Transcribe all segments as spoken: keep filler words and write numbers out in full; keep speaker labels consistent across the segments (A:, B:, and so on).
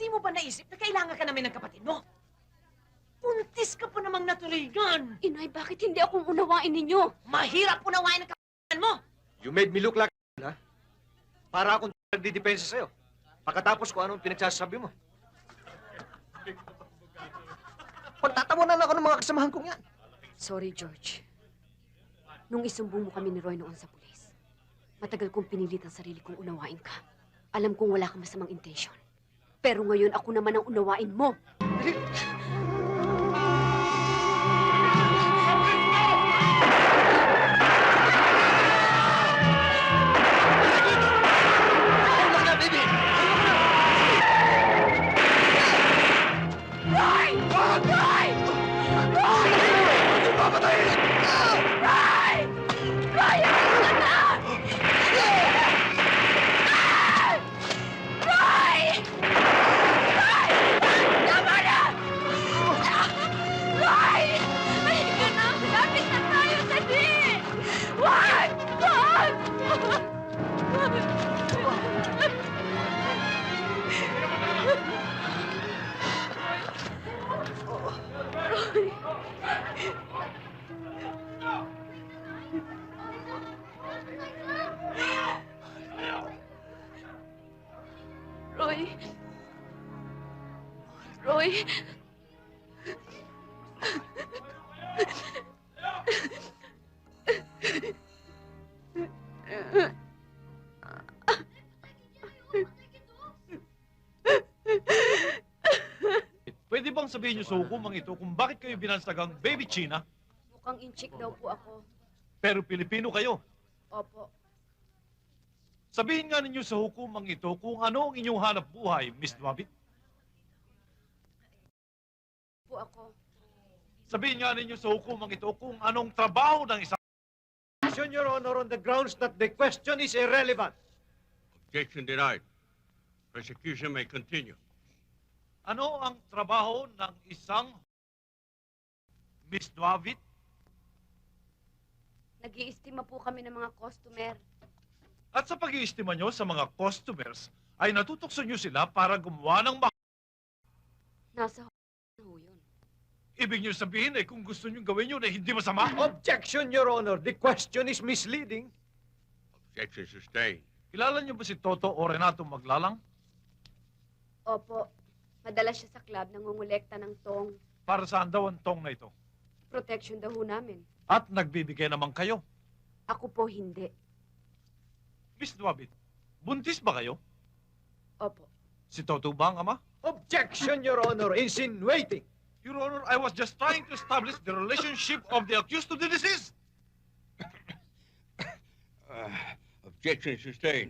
A: Hindi mo ba naisip na kailangan ka namin ng kapatid mo? Puntis ka pa namang natuloy-gan.
B: Inay, bakit hindi akong unawain ninyo?
A: Mahirap unawain ang kapatid mo.
C: You made me look like ha? Para akong nagdidepensa sa'yo. Pagkatapos ko anong pinagsasabi mo. Pagtatawanan ako ng mga kasamahan kong yan.
B: Sorry, George. Nung isumbong mo kami ni Roy noon sa pulis, matagal kong pinilit ang sarili kong unawain ka. Alam kong wala kang masamang intensyon. Pero ngayon ako naman ang unawain mo. Roy. Roy.
D: Pwede bang sabihin niyo sa hukumang ito kung bakit kayo binansagang Baby China,
B: Mukhang inchik daw po ako.
D: pero Pilipino kayo?
B: Opo.
D: Sabihin nga ninyo sa hukumang ito kung ano ang inyong hanap buhay, Miss Dwabit.
B: Po ako.
D: Sabihin nga ninyo sa hukumang ito kung anong trabaho ng isang...
C: Question, Your Honor, on the grounds that the question is irrelevant.
E: Objection denied. Prosecution may continue.
D: Ano ang trabaho ng isang Miss Dwabit?
B: Nag-iistima po kami ng mga customer.
D: At sa pag-iistima nyo sa mga customers, ay natutokso nyo sila para gumawa ng ma...
B: Nasa ho yun.
D: Ibig nyo sabihin ay kung gusto nyo gawin yun ay hindi masama?
C: Objection, Your Honor. The question is misleading.
E: Objection sustained.
D: Kilala nyo ba si Toto o Renato Maglalang?
B: Opo. Madalas siya sa club nangungulekta ng tong.
D: Para saan daw ang tong na ito?
B: Protection daw ho namin.
D: At nagbibigay naman kayo.
B: Ako po hindi.
D: Miss Dwabit, buntis ba kayo?
B: Opo.
D: Si Toto ba ang ama?
C: Objection, Your Honor. Insinuating.
D: Your Honor, I was just trying to establish the relationship of the accused to the deceased.
E: Uh, objection sustained.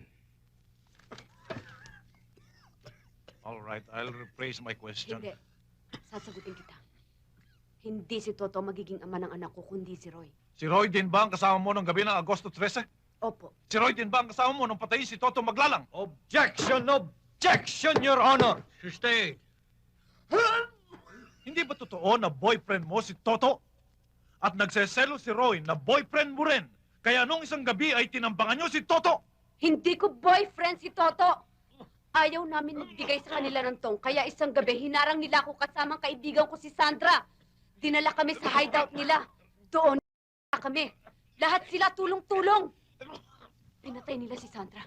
D: All right, I'll rephrase my question.
B: Hindi. Sasagutin kita. Hindi si Toto magiging ama ng anak ko, kundi si Roy.
D: Si Roy din ba ang kasama mo ng gabi ng Agosto thirteen?
B: Opo.
D: Si Roy din ba ang kasama mo nung patayin si Toto Maglalang?
C: Objection, objection, Your Honor.
E: Sustained.
D: Hindi ba totoo na boyfriend mo si Toto? At nagseselo si Roy na boyfriend mo rin? Kaya nung isang gabi ay tinambangan nyo si Toto?
B: Hindi ko boyfriend si Toto! Ayaw namin nagbigay sa kanila ng tong, kaya isang gabi hinarang nila ako kasamang kaibigan ko si Sandra. Dinala kami sa hideout nila. Doon kami. Lahat sila tulong-tulong. Pinatay nila si Sandra.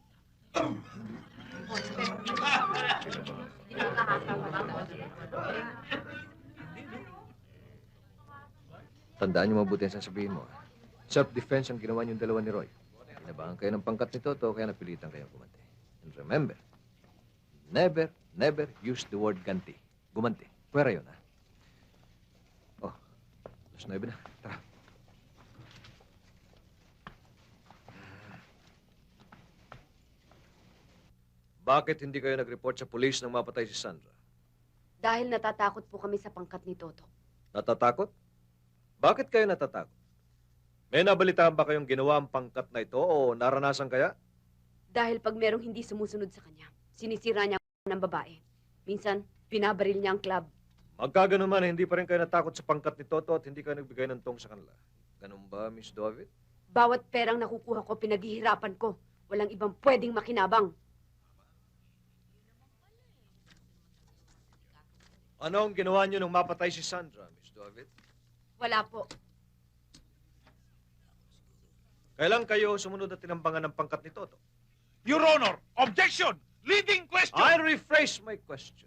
C: Tandaan niyo mabuti ang sasabihin mo. Self-defense ang ginawa niyong dalawa ni Roy. Inabangan kayo ng pangkat ni Toto, kaya napilitan kayong gumanti. And remember, never, never use the word ganti. Gumanti. Pwera yun, ha? Oh, alas nuebe na. Tara. Bakit hindi kayo nag-report sa pulis nang mapatay si Sandra?
B: Dahil natatakot po kami sa pangkat ni Toto.
C: Natatakot? Bakit kayo natatakot? May nabalitaan ba kayong ginawa ang pangkat na ito o naranasan kaya?
B: Dahil pag merong hindi sumusunod sa kanya, sinisira niya ang ng babae. Minsan, binabaril niya ang club.
C: Magkaganon man, hindi pa rin kayo natakot sa pangkat ni Toto at hindi kayo nagbigay ng tong sa kanila. Ganun ba, Miss David?
B: Bawat perang nakukuha ko, pinaghihirapan ko. Walang ibang pwedeng makinabang.
C: Ano ang ginawa niyo nung mapatay si Sandra, Miss David?
B: Wala po.
C: Kailan kayo sumunod at tinambangan ng pangkat ni Toto?
D: Your Honor, objection! Leading question!
C: I'll rephrase my question.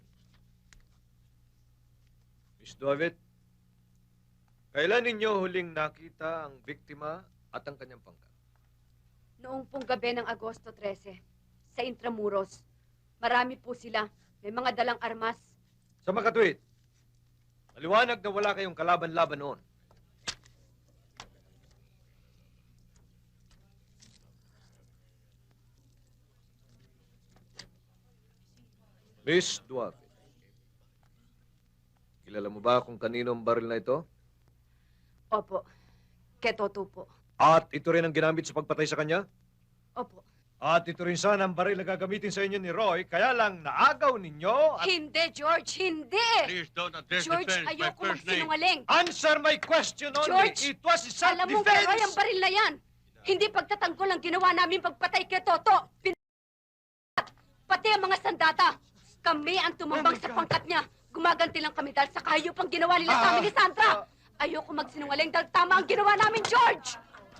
C: Miss David, kailan ninyo huling nakita ang biktima at ang kanyang pangkat?
B: Noong pong gabi ng Agosto thirteen, sa Intramuros. Marami po sila. May mga dalang armas.
C: Sa makatwid, maliwanag na wala kayong kalaban-laban noon. Miss Duarte, kilala mo ba kung kanino ang baril na ito?
B: Opo. Ketoto po.
C: At ito rin ang ginamit sa pagpatay sa kanya?
B: Opo.
C: At ito rin sana ang baril na gagamitin sa inyo ni Roy, kaya lang naagaw ninyo at...
B: Hindi, George! Hindi!
E: Please don't address
B: George,
E: defense by
B: ayoko
E: first name.
B: magsinungaling.
C: Answer my question only!
B: George,
C: It was
B: Alam mo, Roy, ang
C: self-defense!
B: baril na yan. Hindi pagtatanggol ang ginawa namin pagpatay kay Toto. Pin... Pati ang mga sandata. Kami ang tumambang
C: Oh my
B: sa
C: God.
B: pangkat niya. Gumaganti lang kami dahil sa kahayop ang ginawa nila sa
C: Ah,
B: amin ni Sandra. Ayoko magsinungaling dahil tama ang ginawa namin, George!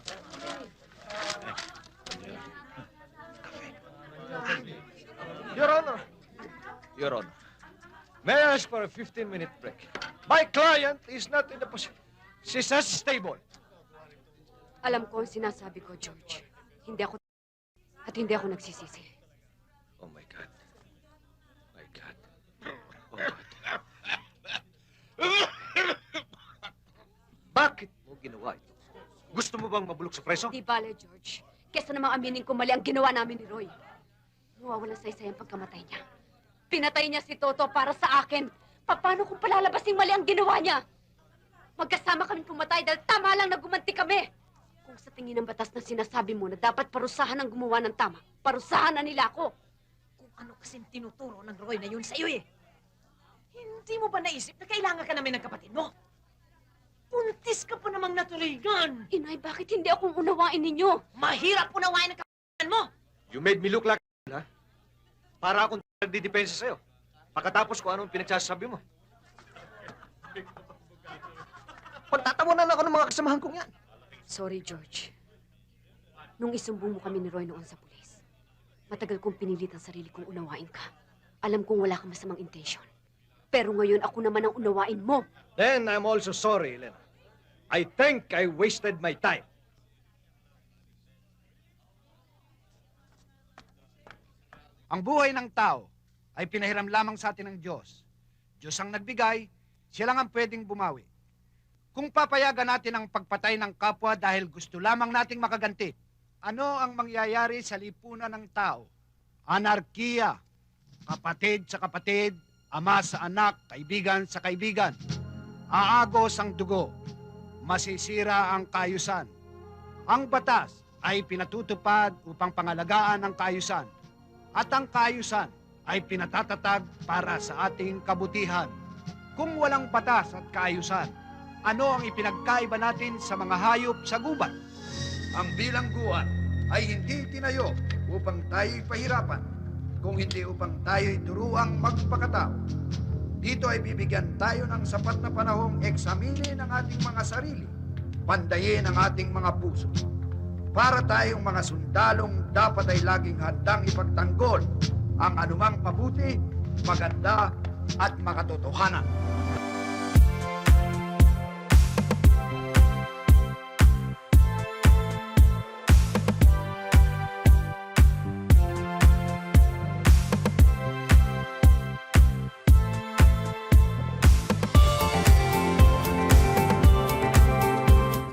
C: Your Honor. Your Honor. May I ask for a fifteen-minute break? My client is not in the position. She's unstable.
B: Alam ko ang sinasabi ko, George. Hindi ako... At hindi ako nagsisisi.
C: Oh, my God. My God. Oh, God. Bakit mo ginawa ito? Gusto mo bang mabulok sa preso?
B: Di bale, George. Kesa namang aminin ko mali ang ginawa namin ni Roy. Mawawalan sa isa ang pagkamatay niya. Pinatay niya si Toto para sa akin. Paano kung palalabasing mali ang ginawa niya? Magkasama kami pumatay dahil tama lang na gumanti kami. Kung sa tingin ng batas na sinasabi mo na dapat parusahan ang gumawa ng tama, parusahan na nila ako.
A: Kung ano kasing tinuturo ng Roy na yun sa'yo eh. Hindi mo ba naisip na kailangan ka namin ng kapatid mo? Puntis ka pa namang natuloygan.
B: Inay, bakit hindi ako unawain ninyo?
A: Mahirap unawain ang kapatid mo.
C: You made me look like ha? Para akong nagdidepensa sa'yo. Pagkatapos ko anong pinagsasabi mo. Pagtatawanan ako ng mga kasamahan kong yan.
B: Sorry, George. Nung isumbong mo kami ni Roy noon sa pulis, matagal kong pinilit ang sarili kong unawain ka. Alam kong wala kang masamang intensyon. Pero ngayon ako naman ang unawain mo.
C: Then I'm also sorry, Elena. I think I wasted my time.
F: Ang buhay ng tao ay pinahiram lamang sa atin ng Diyos. Diyos ang nagbigay, siya lang ang pwedeng bumawi. Kung papayagan natin ang pagpatay ng kapwa dahil gusto lamang nating makaganti, ano ang mangyayari sa lipunan ng tao? Anarkiya, kapatid sa kapatid, ama sa anak, kaibigan sa kaibigan. Aagos ang dugo, masisira ang kaayusan. Ang batas ay pinatutupad upang pangalagaan ang kaayusan. At ang kaayusan ay pinatatatag para sa ating kabutihan. Kung walang batas at kaayusan, ano ang ipinagkaiba natin sa mga hayop sa gubat?
G: Ang bilangguan ay hindi tinayo upang tayo'y pahirapan, kung hindi upang tayo'y turuang magpakatao. Dito ay bibigyan tayo ng sapat na panahong eksaminin ang ating mga sarili, pandayin ang ating mga puso. Para tayong mga sundalong dapat ay laging handang ipagtanggol ang anumang mabuti, maganda at makatotohanan.